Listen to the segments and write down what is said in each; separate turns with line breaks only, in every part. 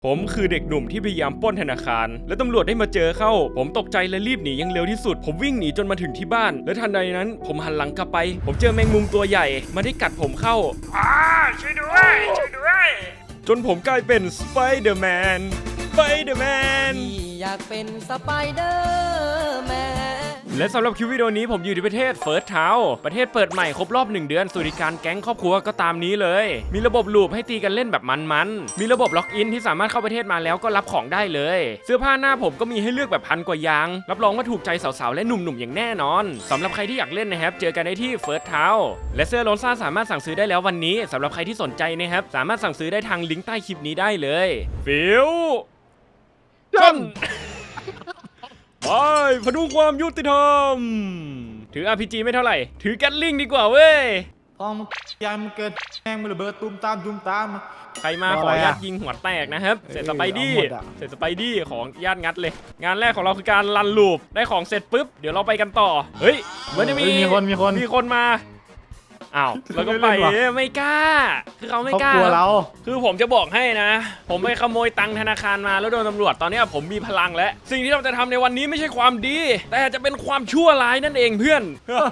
ผมคือเด็กหนุ่มที่พยายามปล้นธนาคารและตำรวจได้มาเจอเข้าผมตกใจและรีบหนีอย่างเร็วที่สุดผมวิ่งหนีจนมาถึงที่บ้านและทันใดนั้นผมหันหลังกลับไปผมเจอแมงมุมตัวใหญ่มันได้กัดผมเข้าช่วยด้วยจนผมกลายเป็นสไปเดอร์แมน
อยากเป็นสไปเดอร์แมน
และสำหรับคลิปวิดีโอนี้ผมอยู่ที่ประเทศเฟิร์สเทาประเทศเปิดใหม่ครบรอบ1 เดือนสวัสดิการแก๊งครอบครัวก็ตามนี้เลยมีระบบลูปให้ตีกันเล่นแบบมันๆมีระบบล็อกอินที่สามารถเข้าประเทศมาแล้วก็รับของได้เลยเสื้อผ้าหน้าผมก็มีให้เลือกแบบ1,000 กว่าอย่างรับรองว่าถูกใจสาวๆและหนุ่มๆอย่างแน่นอนสำหรับใครที่อยากเล่นนะครับเจอกันได้ที่เฟิร์สเทาและเสื้อโลนซ่าสามารถสั่งซื้อได้แล้ววันนี้สำหรับใครที่สนใจนะครับสามารถสั่งซื้อได้ทางลิงก์ใต้คลิปนี้ได้เลยฟิวจันไปพดุงความยุติธรรมถือ RPG ไม่เท่าไหร่ถือแกตลิงดีกว่าเว้ย
ทองยามเกิดแม่งมันระเบิดตุ้มตาม
ใครมาขอญาตยิงหัวแตกนะครับเสร็จสไปดี้ของญาตงัดเลยงานแรกของเราคือการรันลูปได้ของเสร็จปุ๊บเดี๋ยวเราไปกันต่อเฮ้ยมันจะมีคนมาอ้าวแล้วก็ไปไม่กล้าคือเขาไม่กล้าเราคือผมจะบอกให้นะผมไปขโมยตังค์ธนาคารมาแล้วโดนตำรวจตอนนี้ผมมีพลังแล้วสิ่งที่เราจะทำในวันนี้ไม่ใช่ความดีแต่จะเป็นความชั่วร้ายนั่นเองเพื่อน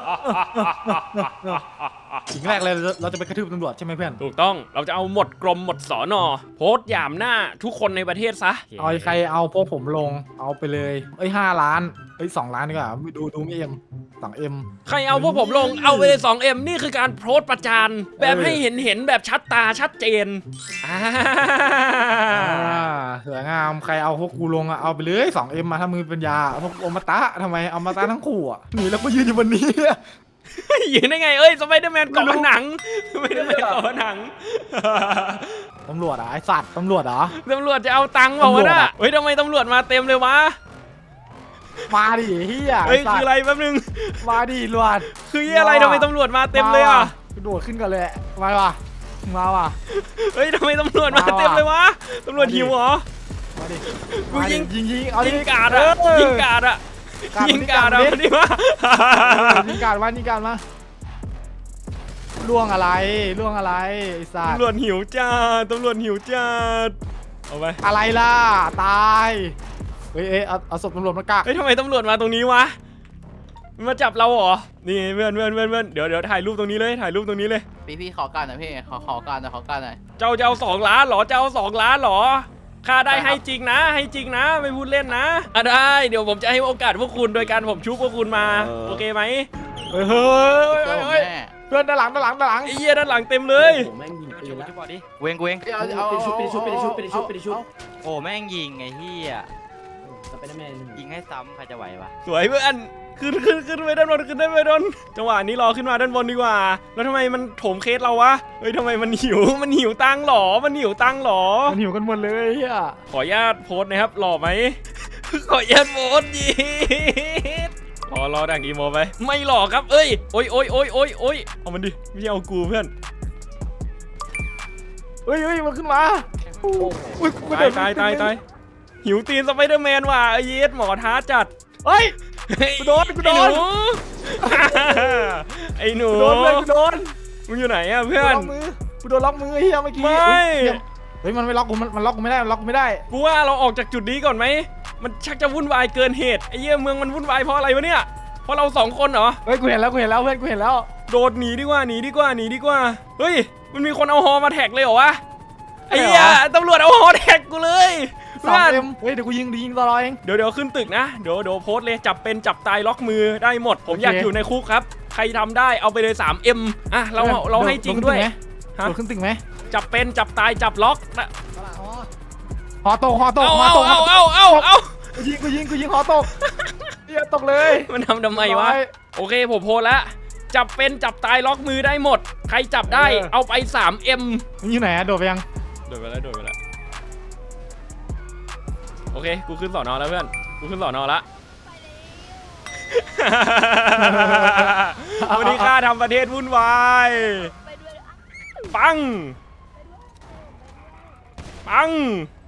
สิ่งแรกเลยเราจะไปกระทืบตำรวจใช่ไหมเพื่อน
ถูกต้องเราจะเอาหมดกรมหมดสอนอโพสต์หยามหน้าทุกคนในประเทศซะ
เอาใครเอาพวกผมลงเอาไปเลย5 ล้าน2 ล้านดีกว่าดูไม่2M
ใครเอาพวกผมลงเอาไปเลย 2M นี่คือการโพสต์ประจานแบบให้เห็นแบบชัดตาชัดเจน
สวยงามใครเอาพวกกูลงเอาไปเลย 2M มาถ้ามือเป็นยาพวกอมตะทำไมอมตะทั้งคู่หนีแล้วก็ยืนอยู่บนนี้
ยืนได้ไงสไปเดอร์แมนเกาะผนังสไปเดอร์แมนเกาะผนัง
ตำรวจไอ้สัตว์ตำรวจ
ตำรวจจะเอาตังค์เปล่าวะน่ะทำไมตำรวจมาเต็มเลยวะ
มาดิเฮีย
คืออะไรแป๊บนึง
มาดิตำรวจ
คืออะไรทำไมตำรวจมาเต็มเลย
กระโดดขึ้นกันเลยมาว่ะ
ทำไมตำรวจมาเต็มเลยวะตำรวจหิวเหรอ
มาดิ
กูยิงกาด
อ่ะ
ยิงกาดอ่ะนี่วะ
ยิงกาดมาล่วงอะไรไอ้สัตว์
ตำรวจหิวจ้าเอาไป
อะไรล่ะตายเอาศพตำรวจมากัก
ทำไมตำรวจมาตรงนี้วะมาจับเราเหรอนี่เพื่อนเดี๋ยวถ่ายรูปตรงนี้เลย
พี่ขอการหน่อยพี่ขอการหน่อย
เจ้า2 ล้านเหรอ2 ล้านเหรอค่าได้ให้จริงนะไม่พูดเล่นนะได้เดี๋ยวผมจะให้โอกาสพวกคุณโดยการผมชุบพวกคุณมาโอเคไหม
เพื่อนด้านหลัง
ไอ้เหี้ยด้านหลังเต็มเลย
แม่งยิงปืนแล้ว
เวง
เอาไปชุบ
โอ้แม่งยิงไอ้เหี้ย
สไปเดอร์แมน
ยิงให้ซ้ำใครจะไหววะ
สวยเพื่อนขึ้นไปด้านบนจังหวะนี้รอขึ้นมาด้านบนดีกว่าแล้วทำไมมันโถมเคสเราวะทำไมมันหิวตังค์หรอมันหิว
กันหมดเลย
ขออนุญาตโพสนะครับหล่อไหมขออนุญาตโพสยีดรอดังอีโมไปไม่หล่อครับโอ้ยเอามันดิไม่ใช่เอากูเพื่อน
มันขึ้นมา
ตายหิวตีนสไปเดอร์แมนว่ะเยสหมอท้าจัด
กูโดน
ไอ้หนูมึงอยู่ไหนอะเพื่อน
กูโดนล็อกมือเฮียเมื่อกี้ไม่มันไม่ล็อกกูมันล็อกกูไม่ได้
กูว่าเราออกจากจุดนี้ก่อนไหมมันชักจะวุ่นวายเกินเหตุไอ้เหี้ยเมืองมันวุ่นวายเพราะอะไรวะเนี่ยเพราะเรา2 คนเหรอ
กูเห็นแล้วเพื่อนกูเห็นแล้ว
โดดหนีดีกว่าเฮ้ยมันมีคนเอาฮอมาแท็กเลยเหรอวะไอ้เหี้ยตำรวจเอาฮอแท็กกูเลย
เดี๋ยวกูยิงต่อเอง
เดี๋ยวขึ้นตึกนะเดี๋ยวโพสเลยจับเป็นจับตายล็อกมือได้หมดผมอยากอยู่ในคุกครับใครทำได้เอาไปเลย 3M เราให้จริงด้วย
ขึ้นตึกไหม
จับเป็นจับตายจับล็อก
หอตก
เอา
กูยิงหอตกตกเลย
มันทำไมวะโอเคผมโพสแล้วจับเป็นจับตายล็อกมือได้หมดใครจับได้เอาไป 3M
มันอยู่ไหนโดดไปยัง
โดดไปแล้วโอเคกูขึ้นสอนอแล้วเพื่อนกูขึ้นสอนอแล้ววันนี้ข้าทำประเทศวุ่นวายปัง
ปัง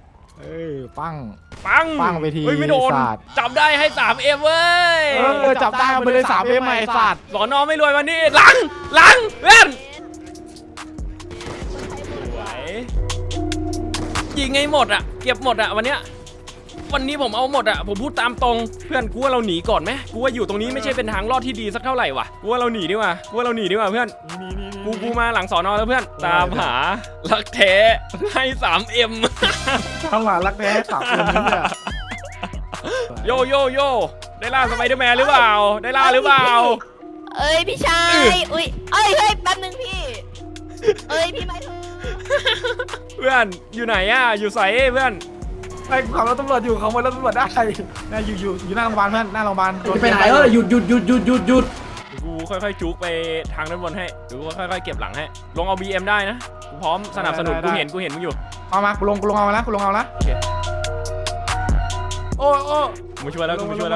ไปที
ไม่โดนจับได้ให้ 3M เว้ย
จับได้ไปเลย 3M ไอ้สัตว์
สอนอไม่รวยวันนี้หลังเพื่อนยิงให้หมดอะเก็บหมดอะวันนี้ผมเอาหมดอะผมพูดตามตรงเพื่อนกูว่าเราหนีก่อนไหมกูว่าอยู่ตรงนี้ไม่ใช่เป็นทางรอดที่ดีสักเท่าไหร่วะกูว่าเราหนีดีกว่าเพื่อนกูมาหลังสอนอแล้วเพื่อนตามหารักแท้ให้ 3M
ทำหลานรักแท้สามคนนี้เนี่ย
โยได้ล่าสไปเดอร์แมนหรือเปล่าได้ล่าหรือเปล่า
เอ้ยพี่ชายอุ้ยเอ้ยเฮ้ยแป๊บนึงพี่เอ้ยพี่ไม่ถูก
เพื่อนอยู่ไหนอะอยู่ใส่เพื่อน
ไอ้ขับรถตำรวจอยู่ขโมยรถตำรวจได้น่าอยู่หน้าโรงพยาบาลเพื่อนหน้าโรงพยาบาล
ไปไหนหยุด
กูค่อยๆจุกไปทางด้านบนให้หรือกูค่อยๆเก็บหลังให้ลงเอา BM ได้นะกูพร้อมสนับสนุนกูเห็นมึงอยู่
เอามากูลงเอามาแล้วกูลงเอาละ
โอเค
โอ้
กูมาช่วยแล้ว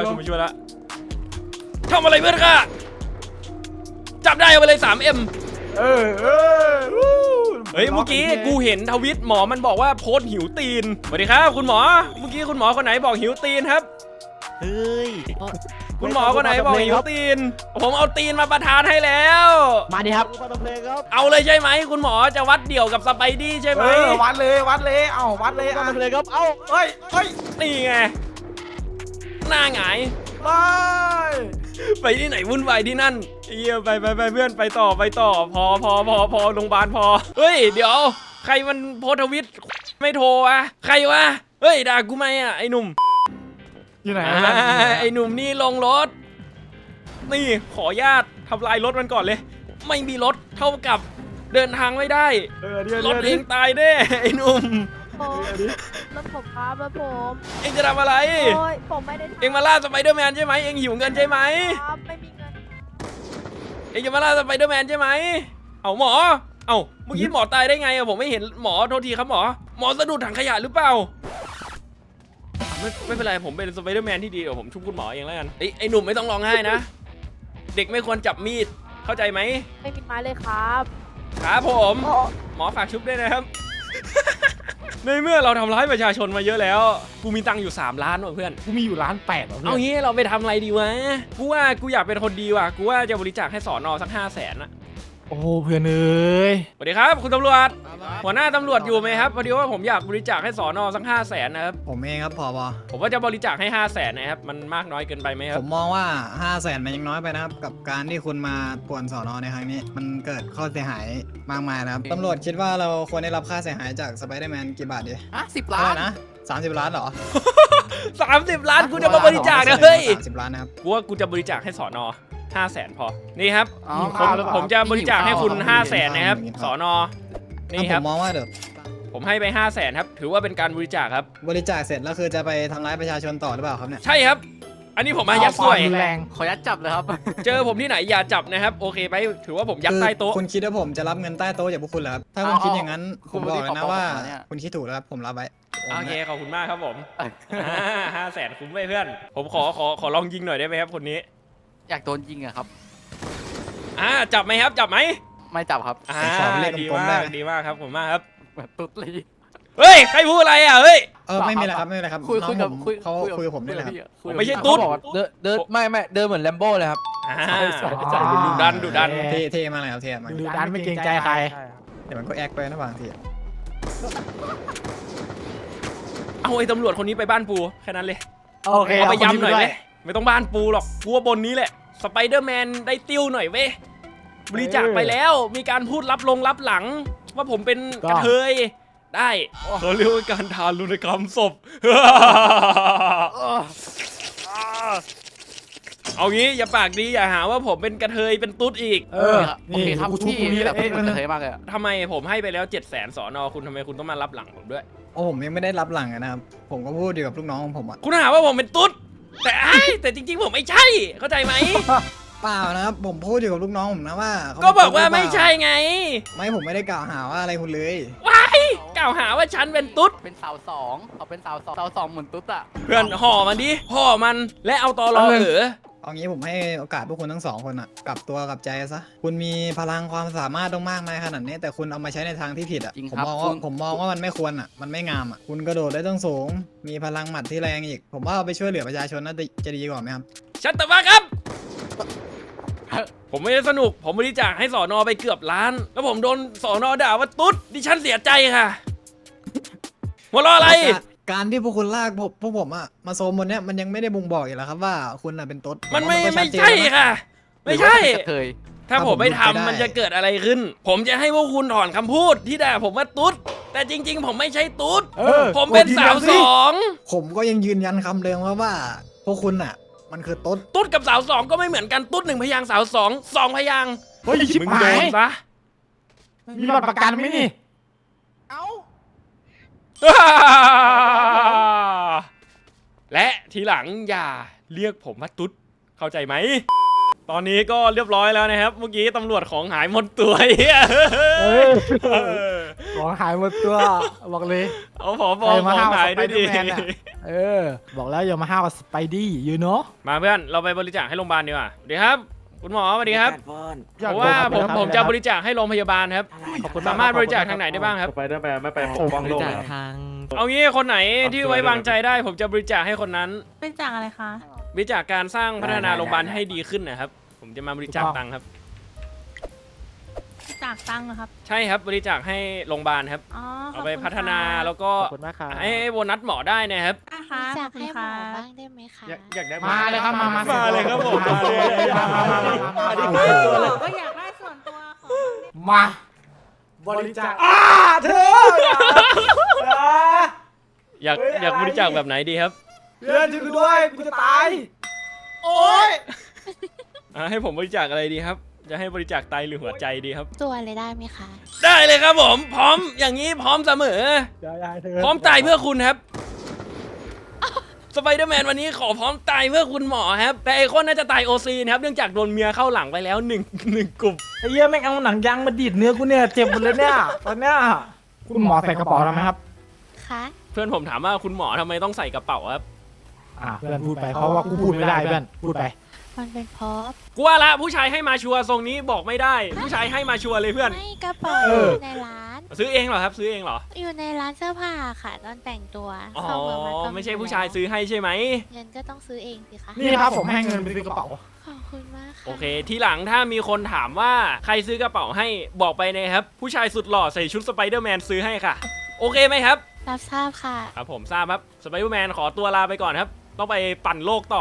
ทำอะไรเพื่อนค่ะจับได้เอาไปเลย 3M
เออ
เฮ้ยเมื่อกี้กูเห็นทวิตหมอมันบอกว่าโพสต์หิวตีนสวัสดีครับคุณหมอเมื่อกี้คุณหมอคนไหนบอกหิวตีนครับ
เฮ้ย
คุณหมอคนไหนบอกหิวตีนผมเอาตีนมาประทานให้แล้ว
มาดิครับ
เอาเลยใช่ไหมคุณหมอจะวัดเดี่ยวกับสไปดี้ใช่ไหม
วัดเลยเอ้าวัดเลย
มาเลยครับเอ้า
เฮ้ย
นี่ไงหน้าหงาย ไปที่ไหนวุ่นวายที่นั่นเยี่ยไปเพื่อนไปต่อพอโรงพยาบาลพอเฮ้ยเดี๋ยวใครมันโพสต์ทวิตไม่โทรอะใครวะเฮ้ยด่ากูไหมอะไอ้หนุ่ม
อยู่ไหน
ไอ้หนุ่มนี่ลงรถนี่ขออนุญาตทำลายรถมันก่อนเลย ไม่มีรถเท่ากับเดินทางไม่ได้รถเองตายแน่ไอ้หนุ่ม
รถผมครับรถผม
เองจะทำอะไร
โอ้ยผมไม่ได้ทำ
เองมาล่าสไปเดอร์แมนใช่ไหมเองหิวเงินใช่ไหม
ครับไม่มีเงิน
เองจะมาล่าสไปเดอร์แมนใช่ไหมเอาหมอเอาเมื่อกี้หมอตายได้ไงอะผมไม่เห็นหมอโทษทีครับหมอสะดุดถังขยะหรือเปล่าไม่เป็นไรผมเป็นสไปเดอร์แมนที่ดีเดี๋ยวผมชุบคุณหมอเองแล้วกันไอ้หนุ่มไม่ต้องร้องไห้นะเด็กไม่ควรจับมีดเข้าใจไหม
ไม่มีไม้เลยครับ
ครับผมหมอฝากชุบด้วยนะครับ ในเมื่อเราทำร้ายประชาชนมาเยอะแล้วกูมีตังค์อยู่3 ล้านว่ะเพื่อน
กูมีอยู่1.8 ล้าน
เอางี้เราไปทำอะไรดีวะกูว่ากูอยากเป็นคนดีว่ะกูว่าจะบริจาคให้สอนอสัก500,000อะ
โอ้เพื่อนเอ้ย
สวัสดีครับคุณตำรวจหัวหน้าตำรวจอยู่ไหมครับพอดีว่าผมอยากบริจาคให้สอนอสัก500,000นะครับ
ผมเองครับผบ
ผมว่าจะบริจาคให้500,000นะครับมันมากน้อยเกินไปไหมครั
ผ
บ
มมองว่า 500,000มันยังน้อยไปนะครับ กับการที่คุณมาป่วนสอนอในครั้งนี้ มันเกิดข้อเสียหายมากมายนะครับ ตำรวจคิดว่าเราควรได้รับค่าเสียหายจากสไปเดอร์แมนกี่บาทดี
10
เท่า
ล้า
ไห
น
ร่นะ30 ล้านเหรอ
30 ล้านกูจะมาบริจาคนะเฮ้ย
30 ล้านนะครับ
กูว่ากูจะบริจาคให้สอนอ500,000พอนี่ครับ
อ๋อ
ผมจะบริจาคให้คุณ500,000นะครับสอนอนี่ค
ผ
รับ
มมองว่าเดี๋ยว
ผมให้ไป500,000ครับถือว่าเป็นการบริจาคครับ
บริจาคเสร็จแล้วคือจะไปทำร้ายประชาชนต่อหรือเปล่าครับเนี่ย
ใช่ครับ อันนี้ผมมายัดสวย
แรง
ขอยัดจับเลยครับ
เจอผมที่ไหนอย่าจับนะครับโอเคไหมถือว่าผมยัดใต้โต๊ะ
คุณคิดว่าผมจะรับเงินใต้โต๊ะจากพวกคุณเหรอครับ ถ้าคุณคิดอย่างนั้นผมบอกเลยนะว่าคุณคิดถูกแล้วครับผมรับไว้
โอเคขอบคุณมากครับผม500,000คุ้มไหมเพื่อน ผมขอลองยิงหน่อยได้ไหมครับคนนี้
อยากโดนยิงอะครับ
จับไหมครับจับไหม
ไม่จับครับ
ดีมากครับผมมากครับ
แบบตุ๊ดลี
เฮ้ยใครพูดอะไรอ่ะเฮ้ย
ไม่มีอะไรครับไม่มีอะไรครับ
คุย
น้อง
กับ
ผม
คุย
เขาคุยกับผมนี่แหละครับ
ผมไม่ใช่ตุ๊ด
เขาบอกว่าเดินไม่เดินเหมือนแลมโบ้เลยครับ
ดุดัน
เท่มากเลยครับเท่มาก
ดูดันไม่เกรงใจใคร
เดี๋ยวมันก็แอคไปนะบางที
เอาไอ้ตำรวจคนนี้ไปบ้านปูแค่นั้นเลย
โอเค
เอาไปย้ำหน่อยไหมไม่ต้องบ้านปูหรอกกูว่าบนนี้แหละสไปเดอร์แมนได้ติ้วหน่อยเว้ยบริจาคไปแล้วมีการพูดรับหลัง ว่าผมเป็นกระเทยได้เขาเรียกว่าการทารุณกรรมศพ เอางี้อย่าปากดีอย่าหาว่าผมเป็นกระเทยเป็นตุ๊ดอีก
โอเคครับ
กูชุบ
พี่
ตรงนี้แห
แบ
ละ
บพี่มันเฉยมากเลยอะ
ทำไมผมให้ไปแล้ว700,000สอนอคุณทำไมคุณต้องมารับหลังผมด้วย
โอ้ผมยังไม่ได้รับหลังนะครับผมก็พูดอยู่กับลูกน้องของผมอ่ะ
คุณหาว่าผมเป็นตุ๊ดแต่จริงๆผมไม่ใช่เข้าใจไหม
เปล่านะครับผมพูดอยู่กับลูกน้องผมนะว่าเข
ก็บอกว่าไม่ใช่ไง
ไม่ผมไม่ได้กล่าวหาว่าอะไรคุณเลย
ว้ายกล่าวหาว่าฉันเป็นตุ๊ด
เป็นสาวสองเขาเป็นสาวสองเหมือนตุ๊ดอะ
เพื่อนห่อมันดิห่อมันและเอาตอรอ
เอางี้ผมให้โอกาสพวกคุณทั้งสองคนอ่ะกลับตัวกลับใจซะคุณมีพลังความสามารถต้องมากมายขนาดนี้แต่คุณเอามาใช้ในทางที่ผิดอ่ะผมมองว่ามันไม่ควรอ่ะมันไม่งามอ่ะคุณกระโดดได้ต้องสูงมีพลังหมัดที่แรงอีก ผมว่าเอาไปช่วยเหลือประชาชนน่าจะดีกว่าไหมครับ
ชัตตะวะครับ ผมไม่ได้สนุกผมบริจาคให้สอนอไปเกือบล้าน แล้วผมโดนสอนอด่าว่าตุ๊ดดิฉันเสียใจค่ะหัวเราะอะไร
การที่พวกคุณลากพวกผมอะมาโซมบนเนี้ยมันยังไม่ได้บ่งบอกอีกแล้วครับว่าคุณอะเป็นตุ๊ด
มันไม่
ผว่าก็ชัดเจน
ใช่
แล้วนะ
ค่ะ ไม่ใช่
เคย
ถ้าผมไม่ทำ
ถ้าผมหลุดไปได้
มันจะเกิดอะไรขึ้น ผมจะให้พวกคุณถอนคำพูดที่ด่าผมว่าตุ๊ด แต่จริง ๆ ผมไม่ใช่ตุ๊ด ผมเป็นสาวสอง
ผมก็ยังยืนยันคำเดิมว่าพวกคุณอะมันคือตุ๊ด
ตุ๊ดกับสาวสองก็ไม่เหมือนกัน ตุ๊ด1 พยางค์สาว2 2 พยางค์
เฮ้ยชิบ
มึง
หา
โด
ย
นซะ
มีบัตรประกันไหมนี่
และทีหลังอย่าเรียกผมว่าตุ๊ด เข้าใจไหม ตอนนี้ก็เรียบร้อยแล้วนะครับ เมื่อกี้ตำรวจของหายหมดตัวเฮีย
ของหายหมดตัวบอกเลย
เอาผอ
ใครมา
ของ
ห้าว
หายด้วยดิ
สไปเดอร์แมนอะ บอกแล้วอย่ามาห้าวกับสไปดี้ยูโน่
มาเพื่อนเราไปบริจาคให้โรงพยาบาลดีกว่าสวัสดีครับ คุณหมอสวัสดีครับ เพราะว่าผมจะบริจาคให้โรงพยาบาลครับ สามารถบริจาคทางไหนได้บ้างครับ
สไปเดอร์แมนไม่ไปปกป้องโลกเหรอ
เอางี้คนไหนที่ไว้วางใจได้ ผมจะบริจาคให้คนนั้น
เป็นจากอะไรคะ
บริจาคการสร้างพัฒนาโรงพยาบาลให้ดีขึ้นนะครับ ผมจะมาบริจาคตังค์ครับ
จากตังค์ครับ
ใช่ครับบริจาคให้โรงพยาบาลครับ
อ๋อ
เอาไปพัฒนาแล้วก็
ขอบคุณมากครับ
ให้โบนัสหมอได้นะครับ
นะคะ
อยา
ขอก บคุณ
ให้หม
ค่ะ
อบ้างได้ไหมคะ
อยากได้
มาเลยครับมา
มาเลยครับผม
มาเลย
ก็อยากได้ส่วนตัวของ
มาบริจาคเธอ
อยากบริจาคแบบไหนดีครับ
เพื่อนช่วยกูด้วยกูจะตายโอ๊ย
ให้ผมบริจาคอะไรดีครับ จะให้บริจาคไตหรือหัวใจดีครับ
ตัวเลยได้ไหมคะ
ได้เลยครับผมพร้อมอย่างนี้พร้อมเสมอ พร้อมตายเพื่อคุณครับสไปเดอร์แมนวันนี้ขอพร้อมตายเพื่อคุณหมอครับแต่ไอคอนน่าจะตายโอซีนะครับเนื่องจากโดนเมียเข้าหลังไปแล้วหนึ่งกลุ่ม
ไอ้เหี้ยแม่งเอาหนังยางมาดีดเนื้อกูเนี่ยเจ็บหมดเลยเนี่ยตอนเนี้ยคุณหมอใส่กระเป๋าทำไมครับ
คะ
เพื่อนผมถามว่าคุณหมอทำไมต้องใส่กระเป๋าครับ
เพื่อนพูดไปเพราะว่ากูพูดไม่ได้เพื่อนพูดไป
มันเป็นเพราะ
กูว่าละผู้ชายให้มาชัวร์ทรงนี้บอกไม่ได้ ผู้ชายให้มาชัวร์เลยเพื่อน
ไม่กระเป๋า
เออ
อยู่ในร้าน
ซื้อเองเหรอครับซื้อเองเหรอ
อยู่ในร้านเสื้อผ้าค่ะตอนแต่งตัว
อ๋อ
เข้าเมืองมาก็
ไม่ใช่ผู้ชายซื้อให้ใช่ไหม
เงินก็ต้องซื้อเองสิคะ
นี่ครับผมให้เงินไปซื้อกระเป๋า
ขอบคุณมากค่ะ
โอเค ทีหลังถ้ามีคนถามว่าใครซื้อกระเป๋าให้บอกไปนะครับ ผู้ชายสุดหล่อใส่ชุดสไปเดอร์แมนซื้อให้ค่ะ โอเคไหมครับ
รับทราบค่ะ
ครับผมทราบครับสไปเดอร์แมนขอตัวลาไปก่อนครับ ต้องไปปั่นโลกต่อ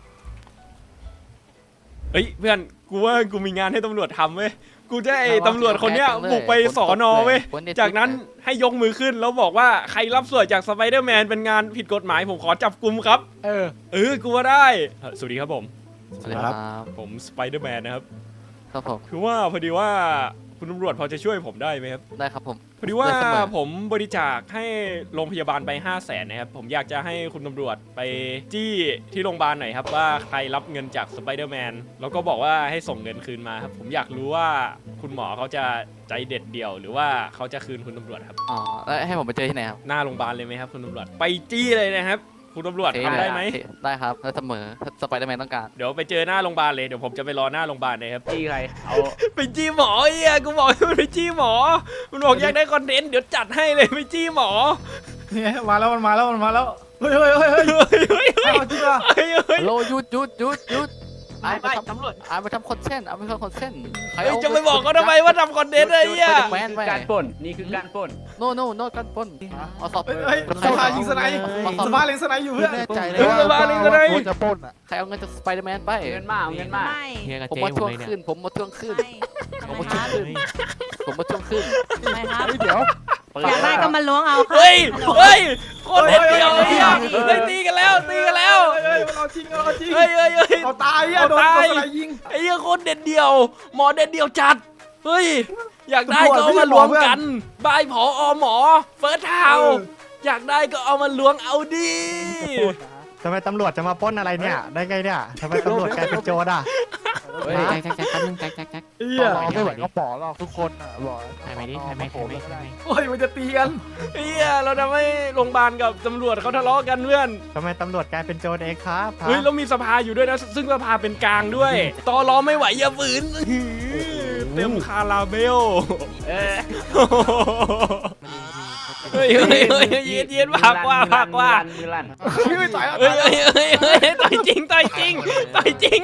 เฮ้ยเพื่อนกูว่ากูมีงานให้ตำรวจทำเว้ยกูจะไอ้ตำรวจคนเนี้ยบุกไปสอนอเว้ยจากนั้นให้ยกมือขึ้นแล้วบอกว่าใครรับสวยจากสไปเดอร์แมนเป็นงานผิดกฎหมายผมขอจับกุมครับกูว่าได้สวัสดีครับผม
สวัสดีครับ
ผมสไปเดอร์แมนนะครับ
ครับผม
คือว่าพอดีว่าคุณตำรวจพอจะช่วยผมได้ไหมครับ
ได้ครับผม
พอดีว่า
ได้เสมอ
ผมบริจาคให้โรงพยาบาลไป 500,000นะครับผมอยากจะให้คุณตำรวจไปจี้ที่โรงพยาบาลหน่อยครับว่าใครรับเงินจากสไปเดอร์แมนแล้วก็บอกว่าให้ส่งเงินคืนมาครับผมอยากรู้ว่าคุณหมอเขาจะใจเด็ดเดี่ยว หรือว่าเขาจะคืนคุณตำรวจครับ
อ๋อแล้วให้ผมไปเจอที่ไหนครับ
หน้าโรงพยาบาลเลยไหมครับคุณตำรวจไปจี้เลยนะครับคุณตำรวจทำได้ไหม
ได้ครับแล้วเสมอถ้าสไปเดอร์แมนต้องการ
เดี๋ยวไปเจอหน้าโรงพยาบาลเลยเดี๋ยวผมจะไปรอหน้าโรงพยาบาลเลยครับ
จี้ใครเอา
ไปจี้หมอเฮียกูบอกให้มันไปจี้หมอมันบอกอยากได้คอนเทนต์เดี๋ยวจัดให้เลยไปจี้หมอ
เนี่ยมาแล้วมันมาแล้วเฮ้ยเฮ้ยเฮ้ยเฮ้ย
เฮ้ย
เอาจริงเหรอ
เฮ้ยเฮ้ย
โลหยุดไอ้ไปทำตำรวจไอ้ไปทำคอนเทนต์เอาไปทำคอนเทนต์ใคร
เฮ้ยจะไปบอกเขาทำไมว่าทำคอนเทนต์อะไรเฮีย
แมนไป
การปล้นนี่คือการปล้น
โนการปล้นเอาสอบ
เฮ้ยสภายิงสไนด์สภาเล็งสไนด์อยู่เพื่อน
แน่ใจเลย
เฮ้ยสบายเลยก็ได้
จะปล้นอ่ะ
ใครเอาเงินจากสไปเดอร์แมนไป
เงินมาเอาเงินมา
ไม่
เฮียกับ
ผม
เจ๊
มา
ผ
ทว
ม
ง
เลยเนี่ย
ขึ้นผมมาทวงขึ้น
ทำไมครับ
ผมมาทวงขึ้น
ทำไมครับ
เดี๋ยว
อยากได้ก็มาล้วงเอาค่ะ
เฮ้ยเฮ้ยโคตรเด็ดเดียวเลยเฮียเฮ้ยตีกันแล้วตีกันแล้ว
เฮ้ยมันเอาจริงเอาจริง
เฮ้ยเฮ้ยเฮ้ย
เอาตายอ่ะโดนสไนด์ยิง
ไอ้เหี้ยโคตรเด็ดเดียว หมอเด็ดเดียวจัดเฮ้ยอยากได้ก็เอามารวมกันบายผอหมอเฟิร์สเทาอยากได้ก็เอามาล้วงเอาดิ
ทำไมตำรวจจะมาปล้นอะไรเนี่ย ได้ไงเนี่ยทำไมตำรวจกลายเป็นโจรอ่ะ
แจ็คแป๊บนึงแจ็ค
เฮีย
ไม่ไหวก็ปอหรอกทุกคนอ่ะบอกใครไม่ดิใครไม่
โอ้ยมันจะตีกัน
เฮียเราทำให้โรงพยาบาลกับตำรวจเขาทะเลาะกันเพื่อน
ทำไมตำรวจกลายเป็นโจรเองครับ
เฮ้ยแล้วมีสภาอยู่ด้วยนะซึ่งสภาเป็นกลางด้วยตอล้อไม่ไหวอย่าฝืนเต็มคาราเบลเฮ้ยยืนผักว่า
มือลั่น
ไม่ต่อยแล้ว
เฮ้ยต่อยจริงต่อยจริง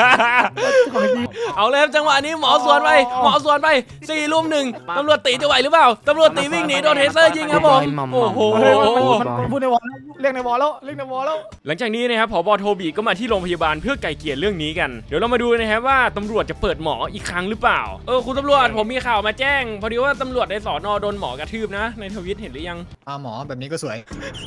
เอาเลยครับจังหวะนี้หมอสวนไป4 รุม 1ตำรวจตีจะไหวหรือเปล่าตำรวจตีวิ่งหนีโดนเทเซอร์ยิงครับผมโอ้โห
มันพูดในวอลเรียกในวอลแล้ว
หลังจากนี้นะครับผบ.โทบีก็มาที่โรงพยาบาลเพื่อไกล่เกลี่ยเรื่องนี้กันเดี๋ยวเรามาดูนะครับว่าตำรวจจะเปิดหมออีกครั้งหรือเปล่าคุณตำรวจผมมีข่าวมาแจ้งพอดีว่าตำรวจในสน.โดนหมอกระทืบนะในทวิตเห็นหรือยัง
หมอแบบนี้ก็สวย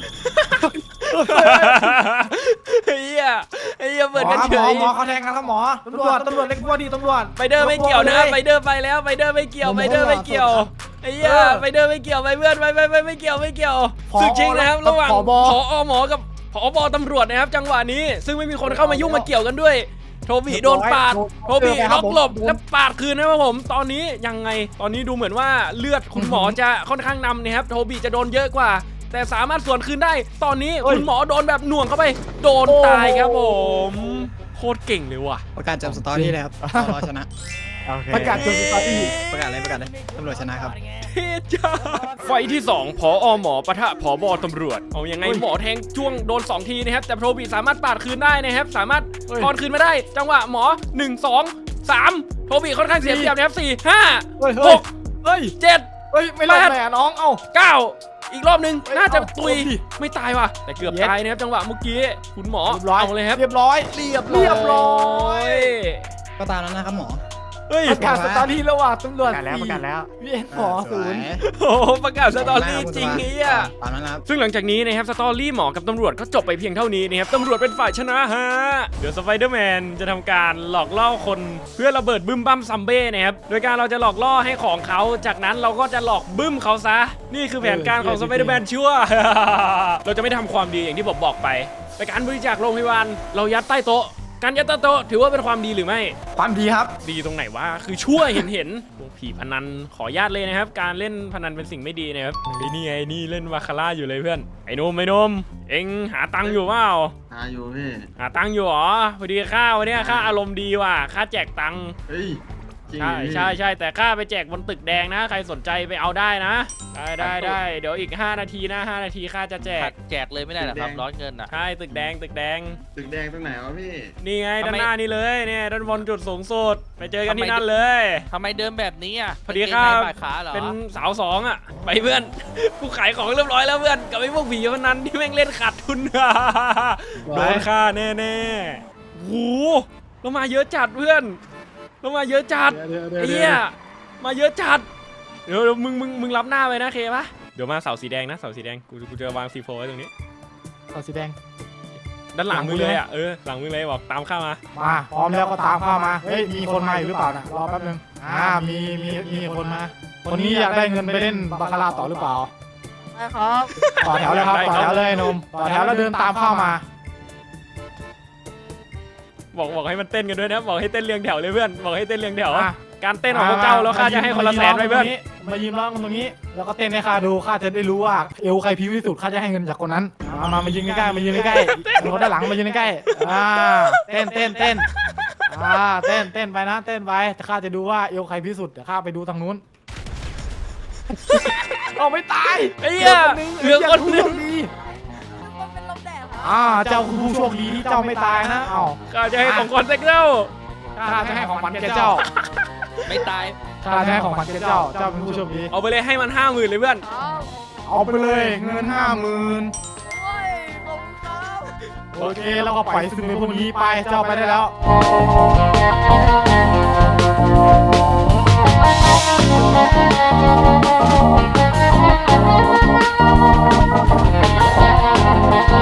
เฮียเปิดกันเฉย
หมอเขาแทงกันครับหมอตำรวจเล็กกว่าดีตำรวจ
ไปเดอร์ไม่เกี่ยวนะไปเดอร์ไปแล้วไปเดอร์ไม่เกี่ยวไอ้เฮียไปเดอร์ไม่เกี่ยวไปเพื่อนไปไม่เกี่ยวศึกจริงนะครับระหว่างผอ.หมอกับผบ.ตำรวจนะครับจังหวะนี้ซึ่งไม่มีคนเข้ามายุ่งมาเกี่ยวกันด้วยโทบีโดนปาดโทบีล็อกหลบแล้วปาดคืนนะครับผมตอนนี้ยังไงตอนนี้ดูเหมือนว่าเลือดคุณหมอจะค่อนข้างนำนะครับโทบีจะโดนเยอะกว่าแต่สามารถสวนคืนได้ตอนนี้คุณหมอโดนแบบหน่วงเข้าไปโดนตายครับผมโคตรเก่งเลยว่ะ
ประกาศจำสตอรี่เลยครับรอชนะ
โอเค
ประกาศจนสตาร์ทอีก
ประกาศเลยตำรวจชนะครับ
เทจ้าไฟที่2ผอ.หมอปะทะผบ.ตำรวจเอายังไงหมอแทงจ้วงโดน2 ทีนะครับแต่โทบีสามารถปาดคืนได้นะครับสามารถทอนคืนมาได้จังหวะหมอ1 2 3โทบีค่อนข้างเสียเปรียบนะครับ4 5 6 7
ไม่รอดแหละน้องเอ้า
9อีกรอบนึงน่าจะตุยไม่ตายว่ะแต่เกือบตายนะครับจังหวะเมื่อกี้คุณหมอเอาเลยครับ
เรียบร้อย
ก็ตามนั้นนะครับหมอ
เฮ้ย
ประกาศสตาร์ทระหว่างตำรวจ
ประกาศแล้ว
พี่หมอศูนย์
โอ้โหประกาศสตอรี่จริงนี้อ่ะ
ตามนั้นนะครับ
ซึ่งหลังจากนี้นะครับสตอรี่หมอกับตำรวจก็จบไปเพียงเท่านี้นะครับตำรวจเป็นฝ่ายชนะฮะเดี๋ยวสไปเดอร์แมนจะทำการหลอกล่อคนเพื่อระเบิดบึ้มบั้มซัมเบ้นะครับโดยการเราจะหลอกล่อให้ของเขาจากนั้นเราก็จะหลอกบึ้มเขาซะนี่คือแผนการของสไปเดอร์แมนชั่ว เราจะไม่ทำความดีอย่างที่ผมบอกไปแต่การบริจาคโรงพยาบาลเรายัดใต้โต๊ะการยัดใต้โต๊ะถือว่าเป็นความดีหรือไม่
ความดีครับ
ดีตรงไหนวะคือชั่วเห็นพวกผีพนันขออนุญาตเลยนะครับการเล่นพนันเป็นสิ่งไม่ดีนะครับนี่ไงนี่เล่นวาคาร่าอยู่เลยเพื่อนไอ้นมเอ็งหาตังค์อยู่เปล่า
อยู่พี่
หาตังค์อยู่หรอพอดีข้าวันนี้ข้าอารมณ์ดีว่ะข้าแจกตังค์
เฮ้ยจริง
ใช่แต่ข้าไปแจกบนตึกแดงนะใครสนใจไปเอาได้นะได้เดี๋ยวอีก5 นาทีนะ5 นาทีข้าจะแจกเลยไม่ได้หรอครับร้อนเงินอ่ะใช่ตึกแดง
ตึกแดงตรงไหนวะพี่
นี่ไงด้านหน้านี่เลยเนี่ยด้านบนจุดสูงสุดไปเจอกันที่นั่นเลย
ทำไมเดิมแบบนี้อ่ะ
พอดีครับ
ขาเหรอ
เป็นสาว2อ่ะไปเพื่อนกูขายของเรียบร้อยแล้วเพื่อนกับไอ้พวกผีพนันที่แม่งเล่นขาดทุน โดนฆ่าแน่ๆโหเรามาเยอะจัดเพื่อนเรามาเยอะจัดไอ้เหี้ยมาเยอะจัดเดี๋ยวมึงรับหน้าไปนะเคปะเดี๋ยวมาเสาสีแดงนะเสาสีแดงกูจะวางซีโฟไว้ตรงนี้
เสาสีแดง
ด้านหลังมึงเลยอ่ะหลังมึงเลยบอกตามข้ามา
พร้อมแล้วก็ตามเข้ามาเฮ้ยมีคนมาอยู่หรือเปล่านะรอแป๊บนึงมีคนมาคนนี้อยากได้เงินไปเล่นบาคาร่าต่อหรือเปล่า
ไม่ครับ
ต่อแถวเลยครับต่อแถวเลยนมต่อแถวแล้วเดินตามเข้ามา
บอกให้มันเต้นกันด้วยนะบอกให้เต้นเรียงแถวเลยเพื่อนบอกให้เต้นเรียงแถวการเต้นของพวกเจ้าแล้วข้าจะให้คนละ100,000ไปเพื่อน
มายืนร้องตรงนี้แล้วก็เต้นให้ข้าดูข้าจะได้รู้ว่าเอวใครพิ้วที่สุดข้าจะให้เงินจากคนนั้นมายืนใกล้มายืนใกล้คนด้านหลังมายืนใกล้เต้นเต้นเไปนะเต้นไปแต่ข้าจะดูว่าเอวใครพิ้วสุดเดี๋ยวข้าไปดูทางนู้นเอาไม่ตาย
ไอ้เหี้ยเหลือคนนึง
เจ้าคือผู้โชคดีที่เจ้าไม่ตายนะ
ข้าจะให้ของคนเซ็กเจ้า
ข้าจะให้ของขวัญแกเจ้า
ไม่ตาย
ข้าจะให้ของขวัญแกเจ้าเป็นผู้โชคดี
เอาไปเลยให้มัน50,000เลยเพื่อน
เอาไปเลยเงิน50,000โอเคแล้วก็ปล่อยซึมไปพวกนี้ไปเจ้าไปได้แล้ว